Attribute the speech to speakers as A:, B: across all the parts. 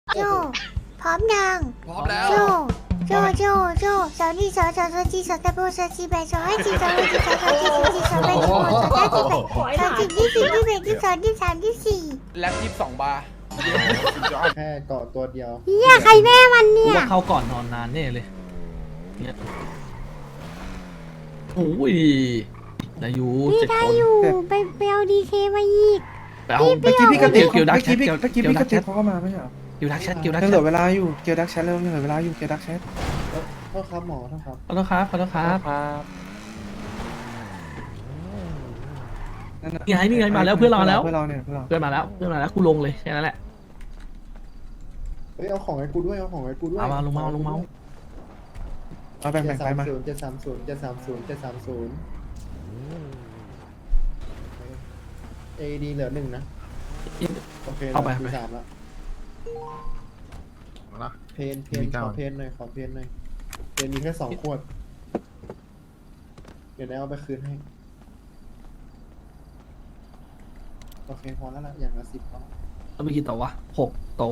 A: โจพร้อมยัง
B: พร้อมแล้ว
A: โจสาวนี่สาวจีสาวตะโบสาวจีแบสาวให้จีสาวให้จีสาวจีสาวแบสาวสาวจีแบสาวจีที่สี่ที่แบที่สองที่สามที่สี่
B: แล็บ22 บาร์
C: แค่เกาะตัวเดียว
A: เฮียใครแม่มันเนี่ย
D: ว่าเข้าก่อนนอนนานแน่เลยเนี่ยโอ้ยนายู
A: พี่
D: เจ็ด
A: ได้
D: คน
A: อยู่ไปเอาดีเคมาอีก
D: ไปเอา
A: เมื่อกี้พี่กระติก
D: เกี่ยวดักแชท
E: เมื่
D: เกี่
E: อ
D: ยว
E: กี้พี่กระติก
D: แชท
E: เขาก็มาไม่ใช่เหรอ
D: เกี่ยวดักแชทเกี่ยวดัก
E: ยัง
D: แช
E: เหลื
D: ท
E: อเวลาอยู่เกียวดักแชทแล้วยังเหลือเวลาอยู่เกียวดักแชท
C: โทษครับหมอโทษครับ
D: ขอโทษครับขอโทษครับ
E: นั่นน่ะ
D: นี่ไงมาแล้วเพื่อนเราแล้ว
E: เพื่อนเราเนี่ยเพื่อนเรา
D: เพื่อนมาแล้วกูลงเลยแค่นั้นแหละ
C: เฮ้ยเอาของให้กูด้วยเอาของให้กูด้วย
D: เอามาลงมา
E: เอาแบ่งไปมา
C: 730 AD เหลือ1นะโอเค
D: เอาไป
C: มี3แล้วเพนขอเพนหน่อยเพนมีแค่2 ขวดเดี๋ยวได้เอาไปคืนให้โอเคพอแล้วล่ะอย่างละ10พอ
D: แล้วไปกี่โตวะ6 โต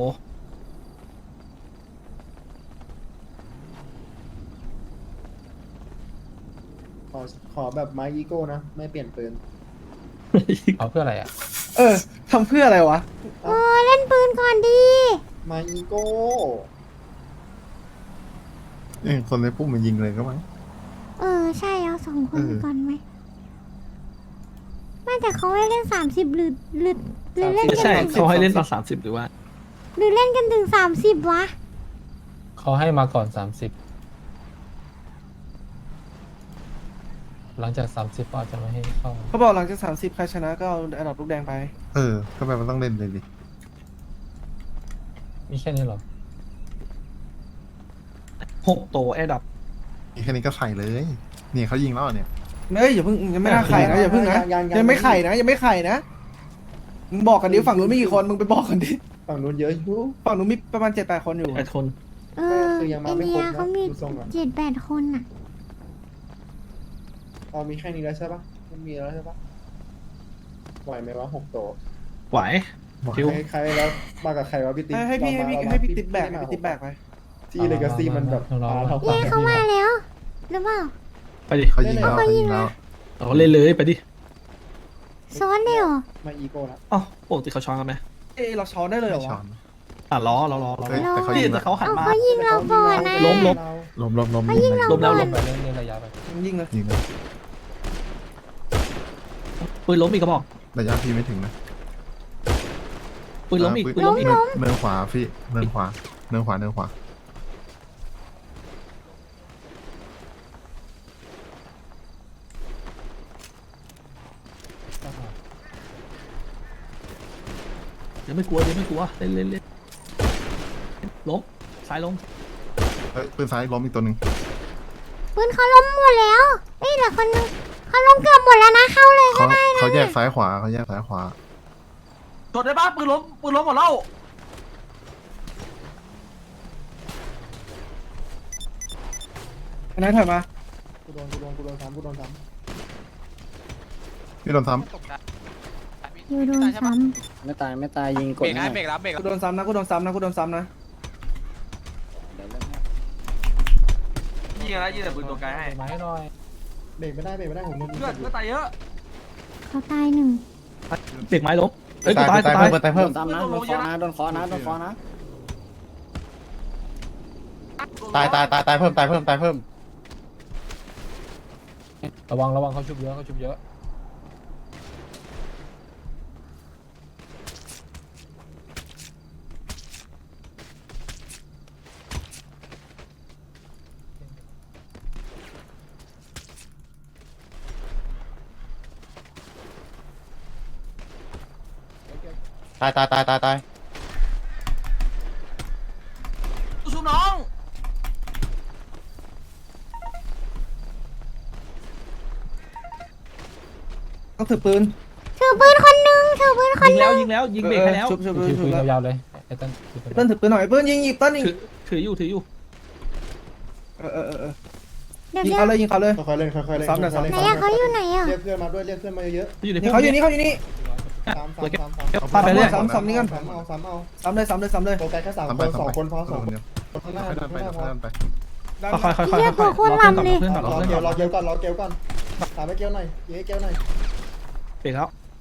C: ขอแบบไม้อีโก้นะไม่เปลี่ยนปืน
F: เอาเพื่ออะไรอ่ะ
E: ทำเพื่ออะไรวะ
A: โอ้เล่นปืนก่อนดี
C: ไม้อีโก้
G: คนในปุ่มมันยิงเลยก็มั้ง
A: ใช่เอา2 คน
G: เออ
A: ก่อนไหมไม่แต่เขาให้เล่น30หรือเล่น
D: ใช่
A: กัน
D: เขาให้เล่นตอน30หรือว่า
A: หรือเล่นกันถึง30วะ
F: เขาให้มาก่อน 30 หลังจาก 30ก็อาจจะไม่ให้เข้า
E: เขาบอกหลังจาก30ใครชนะก็เอาอันดับลูกแดงไป
G: ก็แบบมันต้องเล่นเลยดิ
F: มีแค่นี้เหรอ
D: 6 โตแอร์ดับ
G: แค่นี้ก็ใส่เลย เนี่ยเขายิงแล้วเนี่ย
E: เฮ้ยอย่าเพิ่งยังไม่น่าไข่นะอย่าเพิ่งนะยังไม่ไข่นะมึงบอกกันดิฝั่งนู้นไม่กี่คนมึงไปบอกกันดิ
C: ฝั่งนู้นเยอะอยู่
E: ฝั่งนู้นมีประมาณ7-8 คนอยู่
D: 8 คน
C: คือยัง
A: ไอ
C: มาไม่
A: เดี
C: คร
A: ย
C: บนะ
A: เขามี
C: ดูทรงอ่ะ
A: 7-8 คนอ่ะ
C: เอามีแค่นี้แล้วใช่ปะไม่มีแล้วใช่ปะไหวไหมวะ6 โต
D: ไหว คิว
C: ใครแล้วมากับใครวะพี่ติ๊ก
E: ให้พี่ติ๊บแบกให้พี่ติ๊บแบกไป
C: ที่เลกาซี่มันแบบ
F: รอ
C: เท่า
A: เย้เขามาแล้วหรือเปล่า
D: ไปดิ
G: เขายิงแล้ว
A: เขายิงแล้ว
D: เราเล่นเลยไปดิ
A: ซ้อนเลยเหรอ
C: มาอีโก้ละ
D: อ๋อปกติเขาช้อนกันไหม
E: เราช้อนได้เลยเหรอ
G: ไม่ช้อ
E: วะ
G: น
D: รอ
G: เฮ้ยแต่เขา
D: นี่
G: ยิง
D: แต่
G: แล้ว
D: เขาหัน
A: เอา
D: มา
A: เขายิงเราก่อนนะ
D: ล้ม
G: ล้ม
A: เขายิงเรา
D: ล้มแล้ว
A: ก่อ
D: ล้
A: น
D: ม
F: ไปเล่นระยะไป
E: ยิงเลย
G: ยิงเลย
D: ปืนล้มอีกกระบอก
G: ระยะพี่ไม่ถึงนะ
D: ปืนล้มอีกปืนล้มอีก
G: เนินขวาพี่เนินขวา
D: เดี๋ยวไม่กลัวเล่นล้มซ้ายล้ม
G: เฮ้ยปืนซ้ายล้มอีกตัวหนึ่ง
A: ปืนเขาล้มหมดแล้วเอ้ยเหลือคนนึงเขาล้มเกือบหมดแล้วนะเข้าเลยก็
G: เขา
A: ได้นะ
G: เขาแยกซ้ายขวา
D: จดได้ปะปืนล้มหมดแล้ว
E: อันนั้นถอยมา
C: กูโดนซ้ำ
G: พี่โดนซ้
A: อยู่โดนซ้
H: ไม่ตายยิงก
B: เบร
H: ด
B: กนะเบรกรับเบรก
E: กูโดนซ้ำนะกูโดนซ้ำนะ
D: ยิงแต่ปืนตัวไกลให้
F: ไม้หน่อย
C: เบรกไม่ได้ผมโดน
D: เพื่อนตายเยอะ
A: ำเขาตาย1
D: เด็กไม้ล้มเฮ้ย
G: ำ
D: กูตาย
G: ตายเพิ่ม
H: โดนซ้ำนะโดนคอนะโดนคอนะ
G: ตายเพิ่ม
F: ระวังเขาชุบเยอะ
G: ตาย
D: สู้น้อง
E: ต้องถือปืน
A: ถือปืนคนนึงถือปืนคน
D: ยิงแล้วยิงเบรกให้แล้ว
E: ชุบ
F: ถือปืนยาวๆเลยไอ้ต้นถือปืน
E: เติ้ลถือปืนหน่อยเติ้ลยิงต้นยิง
D: ถืออยู่
A: เดี๋ยว
E: ยิง
A: เดี๋ยว
E: เขาเลยยิงเขาเลย
C: ค่อยๆเล่น
E: ซ้ำหน่อย
A: ไหนอะเขาอยู่ไหนอะ
C: เรียกเพื่อนมาด้วยเรียกเพื่อนมาเยอะ
D: อยู่ใน
E: นี่เขาอยู่นี่
D: เ
C: สาม
D: ตัวเก็บ
C: สาม
D: ปาไปเรื่อย
E: ซ้ำนี่กัน
C: สามเอาสามเอา
E: ซ้ำเลย
C: โฟกัสแค่สาม
G: ทำ
C: ค
G: ไป
C: นสองคนพอสอง
G: เดียว
C: คนข้างหน้า
G: ค่อยดันไป
C: ข้างหน้าพอ
G: ค่อยดันไป
D: ค่อยๆค่อยๆค่อยๆ
A: เรียกพวกคนลำเลย
D: เพื่อนก่อน
C: รอ
D: เพื่อน
C: เก
D: ก่
C: ล
D: อน
C: รอเกลก่อนรอเกลก่อนถามให้เกลหน่อยยิงให้เกลหน่อย
D: เปลี่ยนแล้ว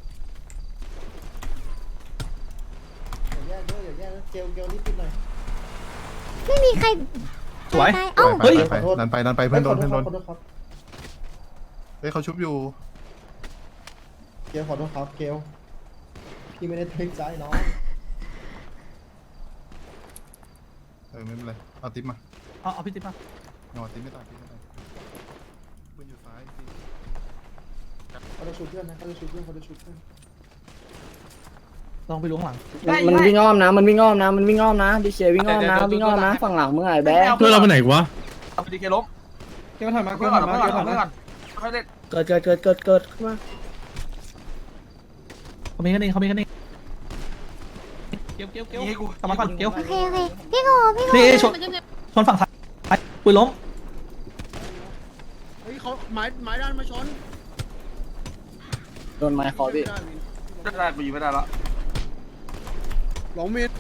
C: อย่าแยกด้วยอย่าแยกด้วยเกลรีบปิดหน่อย
A: ไม่มีใคร
D: สวย
A: ตายเอ้า
G: ไปดันไปเพื่อนโดน
C: ขอโทษครับ
G: เฮ้ยเขาชุบอยู่
C: เกลขอโทษครับเกลพี่ไม่ได้ตั้งใจน้อง
G: ไม่เป็นไรเอาติ๊บมา
D: เอาพี่ติ๊บมา
G: เอาติ๊บไม่ตายติ๊บไม่ตายปืนอยู่ซ้าย
C: เขาจะชุบเพื่อนนะเขาจะชุบเพื่อนเขาจะชุบเพื่อน
D: ลองไปล้วงหลัง
H: มันวิ่งอ้อมนะมันวิ่งอ้อมนะดิเชวิ่งอ้อมนะวิ่งอ้อมนะฝั่งหลังมึงไอ้แบ๊ะ
B: เพื่อนเราไปไหนวะ
F: เอาดีเคล้ม
E: เกลถอยมาเก
F: เพื่
E: ล
F: อน
E: ถ
F: ก่
E: อ
F: อน
E: ยมา
F: เพื่อน
E: เก
F: ก่
E: ล
F: อน
E: ถอย
F: เพื่อนก่อนค่อยเล่น
H: เกิดขึ้นมา
D: เขามีกันเองเกี้ยว
F: ยิงให้กู
D: กลับมาก่อนเกี้ยว
A: โอเคพี่โก
D: นี่ชนฝั่งซ้ายปืนล้ม
E: เฮ้ยเขาไม้ด้านมาชน
H: โดนไม้คอพี่
F: ได้กูยิงไม่ได้แล้ว
E: หลงมีด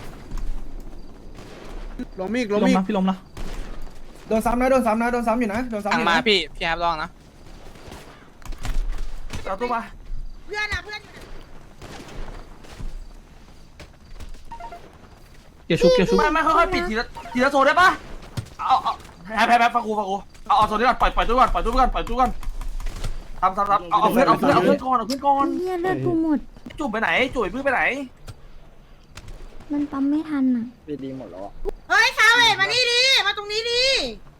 E: หลงมีด
D: ล้มนะพี่ล้มนะ
E: โดนซ้ำอยู่นะโดนซ้ำอยู่นะ
B: มาพี่ครับลองนะ
F: เอาตู้มา
A: เพื่อนอะเพื่อน
D: เกี่ยวชุบ
F: ไม่ค่อยๆปิดทีละโซนได้ปะเอาแพ้ฟังกูเอาโซนนี้ก่อนปล่อยตู้ก่อนทำเอาเพื่อนก่อน
A: เฮียเลือดกูหมด
F: จุ่มไปไหนจุ่ยเพื่อนไปไหน
A: มันปั๊มไม่ทันอ่ะ
H: พี่ดีหมดแล้วอะ
I: เฮ้ยซาเวทมานี่ดิมาตรงนี้ดิ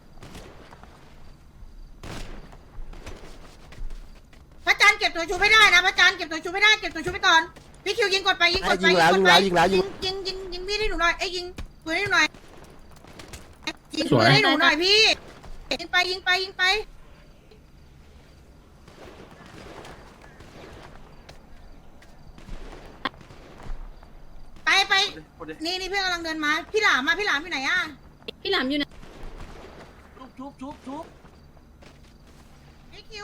I: พระจันทร์เก็บตัวชูไม่ได้นะพระจันทร์เก็บตัวชูไม่ได้เก็บตัวชูไปก่อนพี่คิวยิงกดไปยิงพี่ให้หนูหน่อยปืนให้หนูหน่อยยิงปืนให้หนูหน่อยพี่ยิงไปไปนี่เพื่อนกำลังเดินมาพี่หลามอยู่ไหนอะ
J: พี่หลามอยู่ไหน
F: ชุบ
I: พี่คิว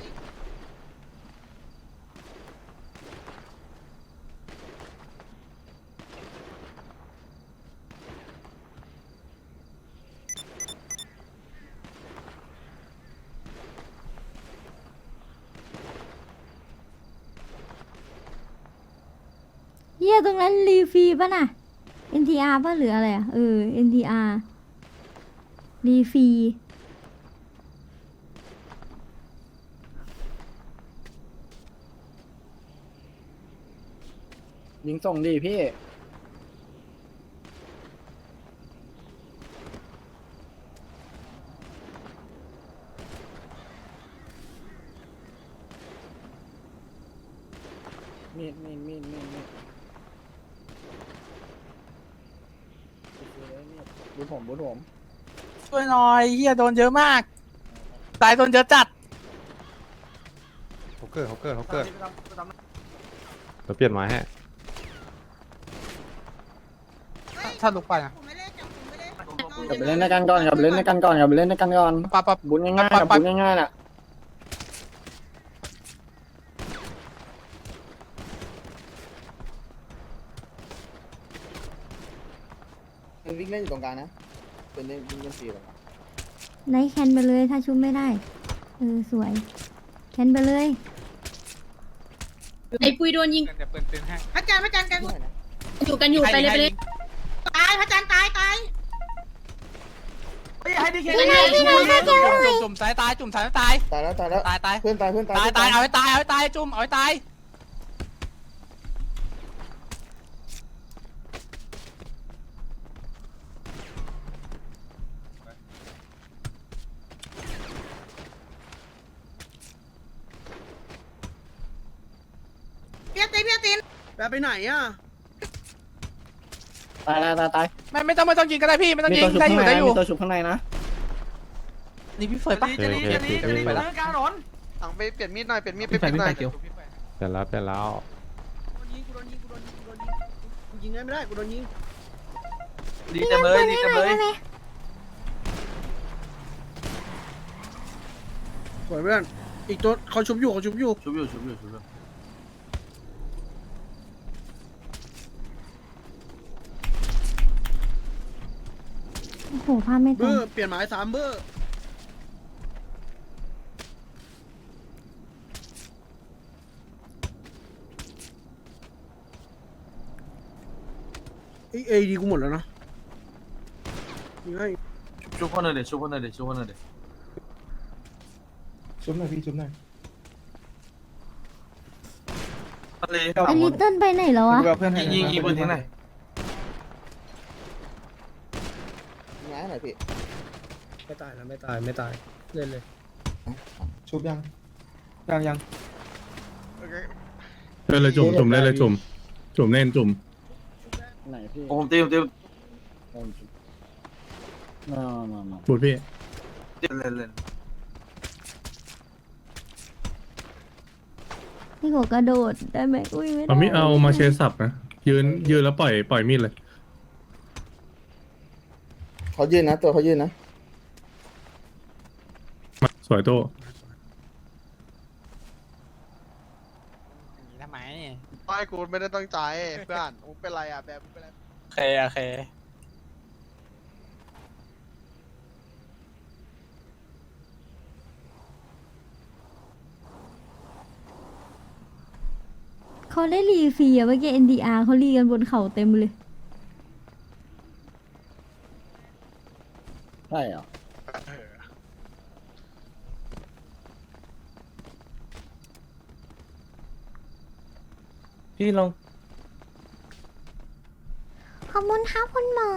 A: เฮียตรงนั้นรีฟรีป่ะน่ะ NTR ป่ะหรืออะไรอ่ะNTR รีฟรี
H: ยิงส่งดิพี่มีดบูทผม
B: ช่วยหน่อยเฮียโดนเยอะมาก ตายโดนเยอะจัด
G: เขาเกิด
K: เราเปลี่ยนไม้ให้
B: ถ้าลุกไปอ่ะ
I: ผมไม่เล่น
H: กลับไปเล่นในกันก่อน
B: ปั๊บ
H: บุญง่ายๆบุญง่ายๆน่ะวิ่งเล่นอยู่ตรงกลางนะเป็นเล่นวิ่งเล่นฟรีหรอ
A: ไนท์แคนไปเลยถ้าชุบไม่ได้สวยแคนไปเลย
J: ไอ้ปุยโดนยิง
B: เดี๋ยวเปิดเป็นให้
I: พระจันทร์กัน
J: อยู่ไปเลย
I: ตายพระจันทร์ตาย
F: ให้ดีเค
B: จุ่มสายตายจุ่มสายตาย
C: ตายแล้ว
B: ตาย
C: เพื่อนตาย
B: เอาให้ตายจุ่มเอาให้ตาย
I: พี่ติน
E: แบบไปไหนอ่ะ
H: ตาย
B: ไม่ต้องยิงก็ได้พี่ไม่ต้องยิงได้อยู่
H: มีตัวชุบข้างในนะ
B: นี่พี่เฟิร์สปะ
F: จะรีไปแล้วกลางถนน
C: สั่งไปเปลี่ยนมีดหน่อยเปลี่ยนมีด
D: พี่ไปเกี่ยว
K: เปลี่ยนแล้ว
E: กูโดนยิงยิงไม่ได้กูโดนยิง
F: ดีจังเลย
E: สวยเพื่อนอีกตัวเขาชุบอยู่
F: ชุบ
A: โอ้โหภาพไม่ตรง
B: เปลี่ยนหมาย3เบอร์เอ้ยดีกูหมดแล้วนะยังไง
F: ชุบคนหน่อยเดี๋ยวชุบคนหน่อยเดี๋ยวชุบคนหน่อยเดี๋ยว
C: ชุบหน่อยพี่ชุบหน่อย
F: ทะเล
A: ไอลิตเติ้ลไปไหนแล้วอะ
E: กูเอาเพื่อนให้
F: ยิงปืนทิ้งหน่อย
C: ง่ายหน่อยพี่
B: ไม่ตายนะไม่ตายไม่ตายเล่นเลย
C: ชุบยัง
E: ยัง
G: เล่นเลยจุ่มจุ่มเล่นเลยจุ่มจุ่มเล่นจุ่ม
H: ไหนพี่
F: ผมตี
H: มา
G: พูดพี่
F: เล่น
A: พี่โกกระโดดได้ไหมอุ้ยไม่ได้
G: เอามีดเอามาเชสับนะยืนแล้วปล่อยมีดเลย
C: เขายืนนะตัวเขายืนนะ
G: สวยโต
B: ทำไม
C: ไม่กูไม่ได้ตั้งใจเพื่อนมึงเป็นไรอ่ะแบบเป็นไร
B: โอเค
A: เขาได้รีฟรีอะเมื่อกี้ NDR เขารีกันบนเขาเต็มเลย
H: ใช่เหรอ
B: พี่ลง
A: ขอบคุณครับคุณหมอ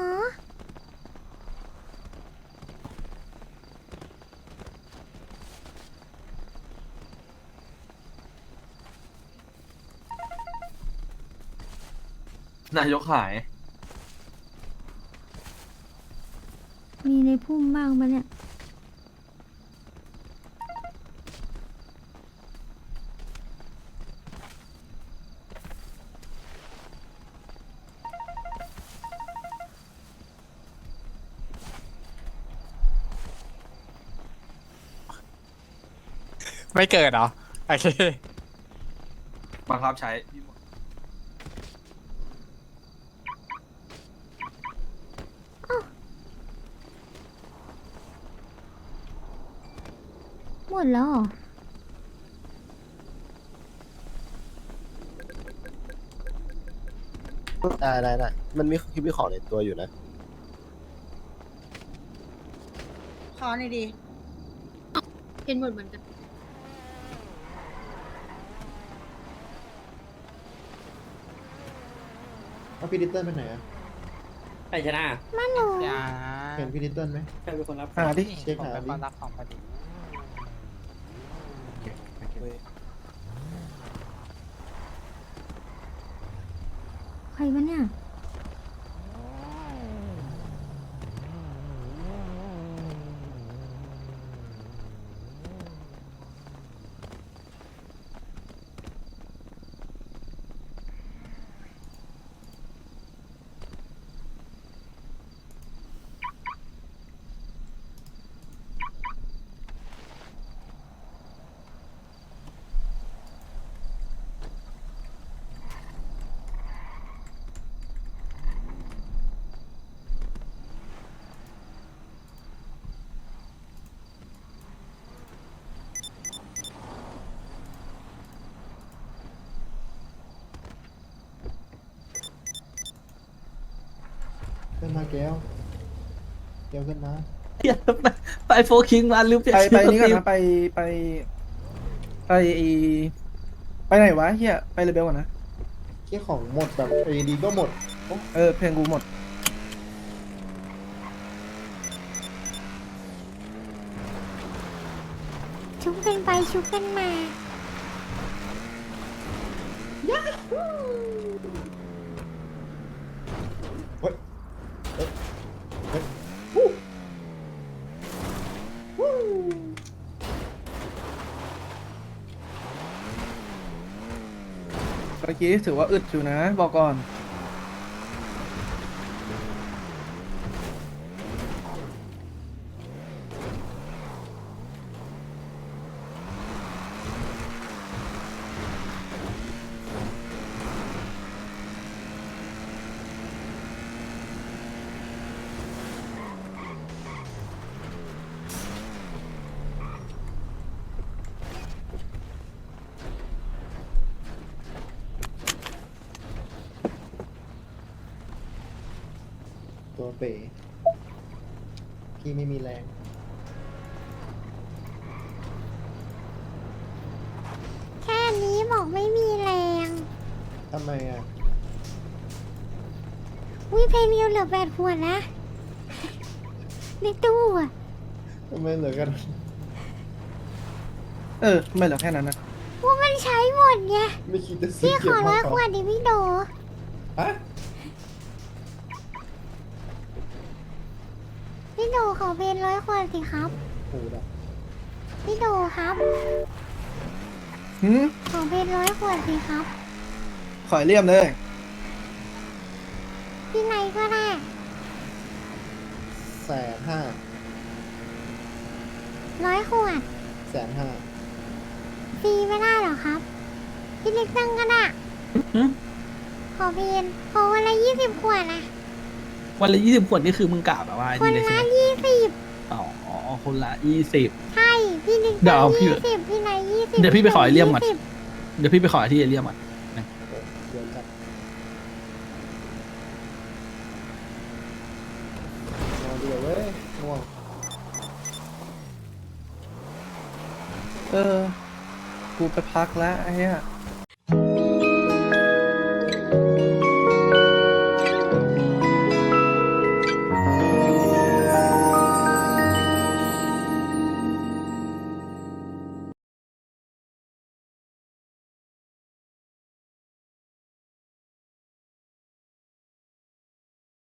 F: นายกหาย
A: มีในพุ่มบ้างปะเนี่ย
B: ไม่เกิดเหรอโอเค
F: บังคับใช้
A: หมดแล้วเหรอ
C: ได้มันมีคลิปวิของในตัวอยู่นะ
I: ขอหน่อยดิ
J: เห็นหมดเหมือนกัน
C: เอาพี่ดิตเติ้ลไปไหนอ่ะ
H: ใครชนะ
A: มาหนู
B: อย่า
C: เห็นพี่ดิตเติ้ลไหม
H: ใครเป็นคนรับ
E: หาดิ
C: เช็ค
B: ผม
C: หา
B: เป็น
C: ดิ
B: คนรักของพอดี
A: ใครวะเนี่ย
C: ขึ้นมาแก้วขึ้นมา
H: ไปโฟคิงมาลืมเปลี่ยน
E: ไปนี่ก่อนนะไปไหนวะเฮียไปเรเบลก่อนนะ
C: เกี่ยของหมดแบบเอดีก็หมด
E: เพลงกูหมด
A: ชุบกันไปชุบกันมา
E: เมื่อกี้ถือว่าอึดอยู่นะ บอกก่อน
C: ตัวเป๋พี่ไม่มีแรง
A: แค่นี้บอกไม่มีแรง
C: ทำไมอ่ะ
A: วิเพนเดียวเหลือ8 ขวดนะ ในตู้อะ
C: ทำไมเหลือกัน
E: ทำไมเหลือแค่นั้นนะ
A: ว่ามันใช้หมดไง
C: ไม่คิดจะซื้อ
A: พี่ข
C: เก็บ
A: อ
C: มา
A: 100 ขวดดิพี่โด
C: ฮะ
A: พี่โดขอเพน100 ขวดสิครับ
C: โอ้โหดับ
A: พี่โดครับ
E: หืม
A: ขอเพน100 ขวดสิครับ
E: ขอยเลี่ยมเลย
A: พี่ไหนก็ได้
C: 150,000
A: 100 ขวด
C: 150,000
A: ฟรีไม่ได้เหรอครับ พี่เล็กตั้งก็ได้
D: หึ
A: ขอเพนขอวันละ20 ขวดนะ
D: วันละ20 ขวดนี่คือมึงกะแบบว่า
A: คน
D: นี่เลยใช่
A: ละ
D: ไหม
A: 20
D: อ๋อคนละ20
A: ใช่ พี่เล็ก
D: เดี๋ยว
A: ตั้ง
D: พี่
A: 20พี่ไหน20
D: เดี๋ยวพี่ไปขอไอเลี่ยมก่อน
A: 20
D: เดี๋ยวพี่ไปขอที่เอเรียมก่อน
C: เดี๋ยวจัดนอนดีกว่าเว้ยง่วง
E: กูไปพักแล้วไอ้เหี้ย